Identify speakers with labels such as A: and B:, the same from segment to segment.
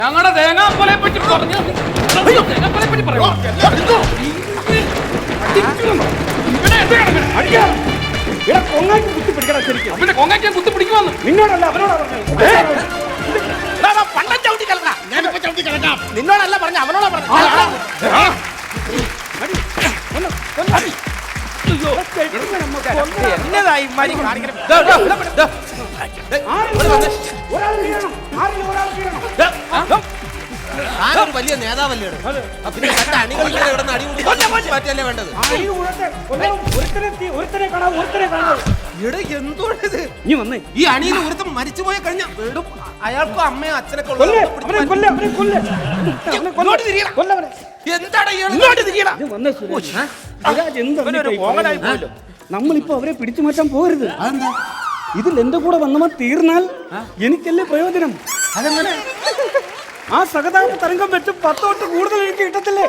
A: ഞങ്ങളുടെ തേങ്ങാക്കൊലയെ പറ്റി പറഞ്ഞു. തേങ്ങാക്കൊലയെ പറ്റി പറയോ? പിന്നെ കൊങ്ങാക്കി കുത്തി പിടിക്കുവാന്ന്
B: നിന്നോടല്ല അവനോടാ പറഞ്ഞത്.
C: നിന്നോടല്ല പറഞ്ഞ അവനോടാ പറഞ്ഞു. എന്നതായി ആരൊരു വലിയ നേതാവല്ലേ പിന്നെ അണികളിൽ ഇവിടെ അടി മാറ്റല്ലേ വേണ്ടത്. എന്തോടത് ഈ അണിയിൽ ഒരുത്തം മരിച്ചുപോയ കഴിഞ്ഞ വീടും അയാൾക്കും അമ്മയും അച്ഛനൊക്കെ
B: നമ്മളിപ്പോ അവരെ പിടിച്ചു മാറ്റാൻ പോകരുത്. ഇതിൽ എന്റെ കൂടെ വന്നവൻ തീർന്നാൽ എനിക്കല്ലേ പ്രയോജനം.
C: അതെങ്ങനെ?
B: ആ സഹതാപ തരംഗം വെച്ച് 10 തൊട്ട് കൂടുതൽ എനിക്ക് കിട്ടത്തില്ലേ?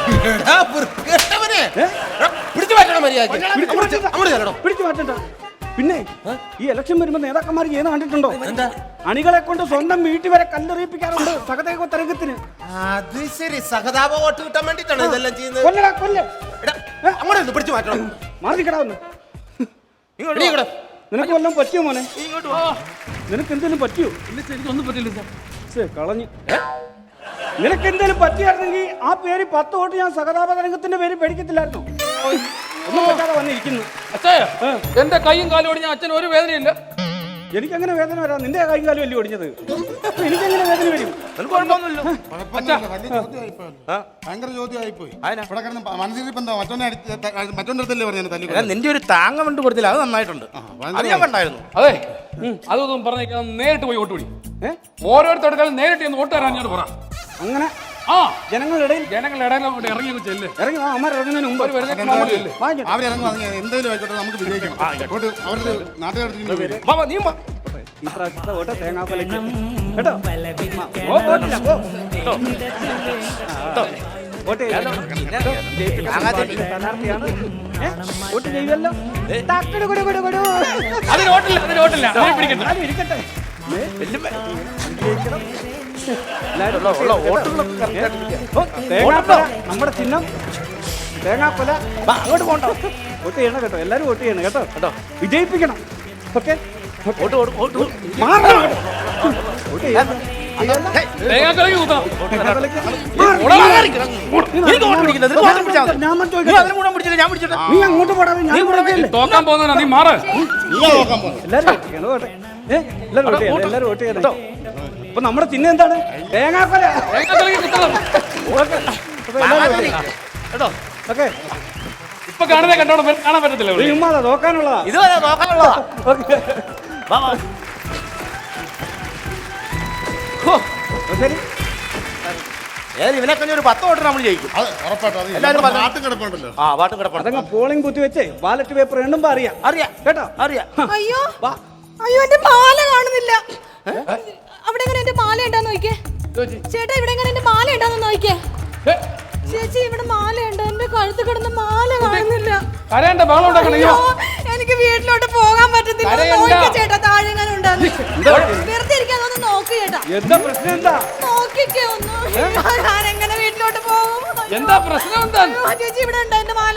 C: പിടിച്ചു മാറ്റണം മര്യാദ.
B: പിടിച്ചു മാറ്റണ്ട. പിന്നെ ഈ ഇലക്ഷൻ വരുമ്പോ നേതാക്കന്മാർ ചെയ്യുന്ന കണ്ടിട്ടുണ്ടോ? അണികളെ കൊണ്ട് സ്വന്തം വീട്ടിൽ വരെ കല്ലെറിയിപ്പിക്കാറുണ്ട് സഹതാപ തരംഗത്തിന്.
C: അത് ശരി, സഹതാപ വോട്ട് കിട്ടാൻ വേണ്ടിട്ടാണ് ഇതെല്ലാം ചെയ്യുന്നത്.
B: അങ്ങോട്ട് പിടിച്ചു മാറ്റണം. മാറിക്കടാവുന്നു. നിനക്ക് വല്ലതും പറ്റിയോ മോനെ? നിനക്ക് എന്തെങ്കിലും പറ്റിയോ?
A: എനിക്കൊന്നും പറ്റില്ല.
B: കളഞ്ഞു. നിനക്ക് എന്തെങ്കിലും പറ്റിയായിരുന്നെങ്കിൽ ആ പേര് 10 വോട്ട് ഞാൻ സഹതാപ തരംഗത്തിന്റെ പേര് പേടിക്കത്തില്ലായിരുന്നു. ഒന്നും പറ്റാതെ വന്നിരിക്കുന്നു.
A: എന്റെ കൈയും കാലും ഓടിഞ്ഞ അച്ഛന് ഒരു വേദനയില്ല.
B: എനിക്കങ്ങനെ വേദന വരാം. നിന്റെ കൈയും കാലും അല്ലേ ഓടിഞ്ഞത്? എനിക്കെങ്ങനെ വേദന വരും?
D: ഭയങ്കര ചോദ്യമായിപ്പോയി. മറ്റൊന്നിടത്തല്ലേ പറഞ്ഞു
C: നിന്റെ ഒരു താങ്ങ കൊണ്ട് കൊടുത്തില്ല, അത് നന്നായിട്ടുണ്ട്.
A: അതെ, അതൊന്നും പറഞ്ഞേക്കാൻ നേരിട്ട് പോയി വോട്ട് പിടി. ഓരോരുത്തർക്കും നേരിട്ട് വോട്ട് തരാൻ ഞാൻ പറ.
B: അങ്ങനെ ജനങ്ങളുടെ ഇറങ്ങി ചെല്ല്. ഇറങ്ങി ഇറങ്ങുന്നതിന് മുമ്പ്
D: എന്തെങ്കിലും ആയിക്കോട്ടെ, നമുക്ക് വിജയിക്കണം.
B: ഈ പ്രാവശ്യത്തെ വോട്ട് തേങ്ങാക്കൊലയ്ക്ക് കേട്ടോ. വോട്ട് ചെയ്യുമല്ലോ. ഇരിക്കട്ടെ. നമ്മുടെ ചിഹ്നം തേങ്ങാക്കൊല. അങ്ങോട്ട് പോകണ്ട. വോട്ട് ചെയ്യണം കേട്ടോ. എല്ലാരും വോട്ട് ചെയ്യണം കേട്ടോ. കേട്ടോ, വിജയിപ്പിക്കണം. ഓക്കെ, നീ അങ്ങോട്ട് പോടാ.
A: തോക്കാൻ പോകുന്ന നീ മാറ്.
B: എല്ലാരും വോട്ട് ചെയ്യണം കേട്ടോ. അപ്പൊ നമ്മുടെ ചിഹ്നം എന്താണ്? തേങ്ങാക്കൊല. ഓക്കെ,
A: ഇപ്പൊ കാണുന്നേ കണ്ടോണം, കാണാൻ പറ്റത്തില്ല.
B: ഉമ്മാതാ നോക്കാനുള്ളതാ.
C: ഇതുവരെ നോക്കാനുള്ളതാ.
B: ശരി,
C: ഇവനെ കഴിഞ്ഞ ഒരു 10 വോട്ട് നമ്മൾ ജയിക്കും.
B: അതങ്ങ് പോളിംഗ് ബൂത്ത് വെച്ചേ ബാലറ്റ് പേപ്പർ എണ്ണുമ്പോ അറിയാം. കേട്ടോ, അറിയാം.
E: അയ്യോ അയ്യോ, എന്റെ മാല കാണുന്നില്ല. അവിടെ എങ്ങനെ എന്റെ മാല ഉണ്ടാന്ന് നോക്കിയേ ചേട്ടാ. ഇവിടെ എങ്ങനെ എന്റെ മാല ഉണ്ടാന്ന് നോക്കിയേ ചേച്ചി. ഇവിടെ മാല ഉണ്ട്, എന്റെ കഴുത്ത് കിടന്ന മാല കാണുന്നില്ല. എനിക്ക് വീട്ടിലോട്ട് പോകാൻ പറ്റത്തില്ല. ചേട്ടാ താഴെ എങ്ങനെ ഉണ്ടാന്ന് വെറുതെ ഇരിക്കാന്ന് നോക്ക് ചേട്ടാ.
B: എന്താ പ്രശ്നം? എന്താ
E: നോക്കിക്കേ ഒന്ന്. ഞാൻ എങ്ങനെ വീട്ടിലോട്ട് പോകും?
A: എന്താ പ്രശ്നം? എന്താ
E: ചേച്ചി ഇവിടെ ഉണ്ടോ എന്റെ മാല?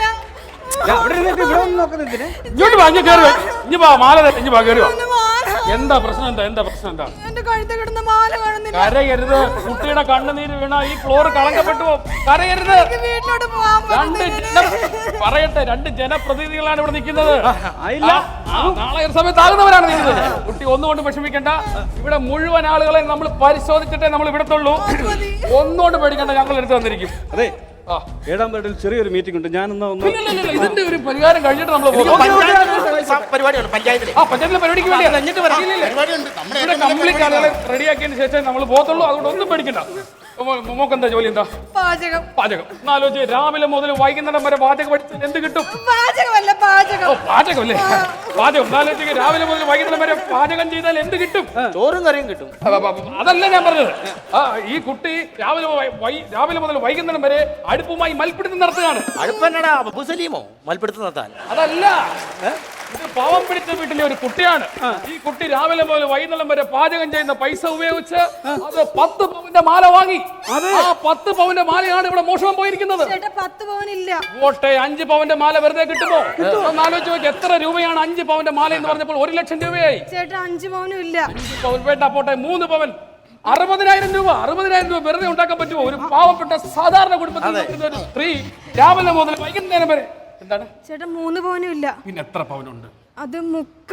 A: എന്താ പ്രശ്നം? എന്താ പ്രശ്നം? എന്താ
E: എന്റെ കഴുത്ത് കിടന്ന മാല കാണുന്നില്ല.
A: കരയരുത്. കുട്ടിയുടെ കണ്ണുനീര് വീണ ഈ ഫ്ലോർ കളങ്കപ്പെട്ടു. കരയരുത്.
E: വീട്ടിലോട്ട് പോകാൻ
A: പറയട്ടെ, 2 ജനപ്രതിനിധികളാണ് ഇവിടെ നിൽക്കുന്നത്. നാളെ ഒരു സമയത്താകുന്നവരാണ് നിൽക്കുന്നത്. കുട്ടി ഒന്നുകൊണ്ട് വിഷമിക്കണ്ട. ഇവിടെ മുഴുവൻ ആളുകളെ നമ്മൾ പരിശോധിച്ചിട്ടേ നമ്മൾ ഇവിടത്തുള്ളൂ. ഒന്നുകൊണ്ട് പേടിക്കണ്ട, ഞങ്ങൾ എടുത്ത് വന്നിരിക്കും.
B: അതെ, 7-ാം വാർഡിൽ ചെറിയൊരു മീറ്റിംഗ് ഉണ്ട്. ഞാനെന്നാ
A: ഇതിന്റെ ഒരു പരിഹാരം കഴിഞ്ഞിട്ട് നമ്മൾ
C: പരിപാടിയാണ് പഞ്ചായത്തിലെ
A: പരിപാടിക്ക് വേണ്ടി കംപ്ലീറ്റ് ആളുകളെ റെഡിയാക്കിയതിന് ശേഷം നമ്മൾ പോകത്തുള്ളൂ. അതുകൊണ്ട് ഒന്നും പേടിക്കണ്ട. മോക്കെന്താ ജോലി? എന്താ?
E: പാചകം.
A: എന്നാലോചിച്ച് രാവിലെ മുതൽ വൈകുന്നേരം വരെ പാചകം പഠിച്ചാൽ എന്ത് കിട്ടും?
E: പാചകമല്ലേ?
A: പാചകം. എന്നാലോചിച്ച് രാവിലെ മുതൽ വൈകുന്നേരം വരെ പാചകം ചെയ്താൽ എന്ത് കിട്ടും?
C: ചോറും കറിയും കിട്ടും.
A: അതല്ല ഞാൻ പറഞ്ഞത്. ഈ കുട്ടി രാവിലെ മുതൽ വൈകുന്നേരം വരെ അടുപ്പുമായി മൽപ്പിടുത്തം നടത്തുകയാണ്.
C: അടുപ്പന്നടാ മൽപ്പിടുത്തം നടത്താൻ?
A: അതല്ല, ഇത് പാവം പിടിച്ച വീട്ടിലെ ഒരു കുട്ടിയാണ്. ഈ കുട്ടി രാവിലെ മുതൽ വൈകുന്നേരം വരെ പാചകം ചെയ്യുന്ന പൈസ ഉപയോഗിച്ച് അത് 10 പവന്റെ മാല വാങ്ങി. ആ 10 പവന്റെ മാലയാണ് ഇവിടെ മോഷണം പോയിരിക്കുന്നത്.
E: ചേട്ടാ 10 പവനില്ല.
A: ഓട്ടെ 5 പവന്റെ മാല വെറുതെ കിട്ടുമോ? ഒന്ന് ആലോചിച്ച് നോക്കി, എത്ര രൂപയാണ് 5 പവന്റെ മാല എന്ന് പറഞ്ഞപ്പോൾ 1 ലക്ഷം രൂപയായി.
E: ചേട്ടാ 5 പവനും ഇല്ല.
A: 5 പവൻ വേണ്ട, പോട്ടെ 3 പവൻ 60,000 രൂപ. 60,000 രൂപ വെറുതെ ഉണ്ടാക്കാൻ പറ്റുമോ? ഒരു പാവപ്പെട്ട സാധാരണ കുടുംബത്തിൽ നിൽക്കുന്ന ഒരു സ്ത്രീ രാവിലെ മുതൽ വൈകുന്നേരം വരെ. എന്താണ്
E: ചേട്ടാ 3 പവനും ഇല്ല.
A: പിന്നെ എത്ര പവനുണ്ട്?
E: അത് മുക്ക.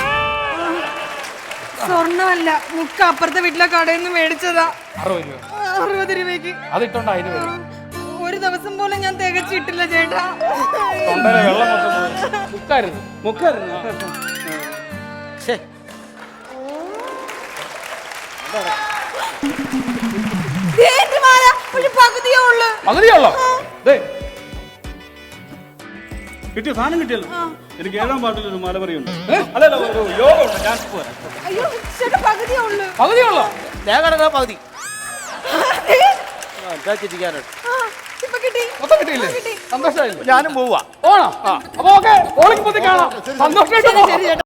E: സ്വർണ്ണമല്ല, മുക്ക അപ്പുറത്തെ വീട്ടിലെ കടയിൽ നിന്ന് മേടിച്ചതാ.
A: 60 രൂപ.
E: 60 രൂപയ്ക്ക്.
A: അതിട്ടുണ്ട് അതിന് വരും.
E: ഒരു ദിവസം പോലും ഞാൻ തികച്ചിട്ടില്ല ചേട്ടാ.
A: തൊണ്ടയിലെ വെള്ളം മൊത്തം മുക്കായിരുന്നു.
B: മുക്കായിരുന്നു.
E: എന്റെ മാല ഒരു പകുതിയേ ഉള്ളു.
A: പകുതിയുള്ളോ?
B: കിട്ടിയോ? സാധനം കിട്ടിയല്ലോ. എനിക്ക് 7-ാം പാട്ടിൽ ഒരു മലപറിയുണ്ട്. അല്ലല്ല, ഒരു യോഗ ഉണ്ട്. ഞാൻ പോരാ.
E: അയ്യോ ചേട്ടാ പകുതിയേ ഉള്ളു.
A: പകുതിയുള്ളോ?
C: തേങ്ങ പകുതി
E: ഇപ്പൊ കിട്ടി.
A: മൊത്തം കിട്ടിയില്ലേ? സന്തോഷമായില്ലേ?
C: ഞാനും പോവാ.
A: പോണോ? അപ്പൊ ഓക്കെ, ഓളിക്ക് കാണാം. സന്തോഷമായിട്ട്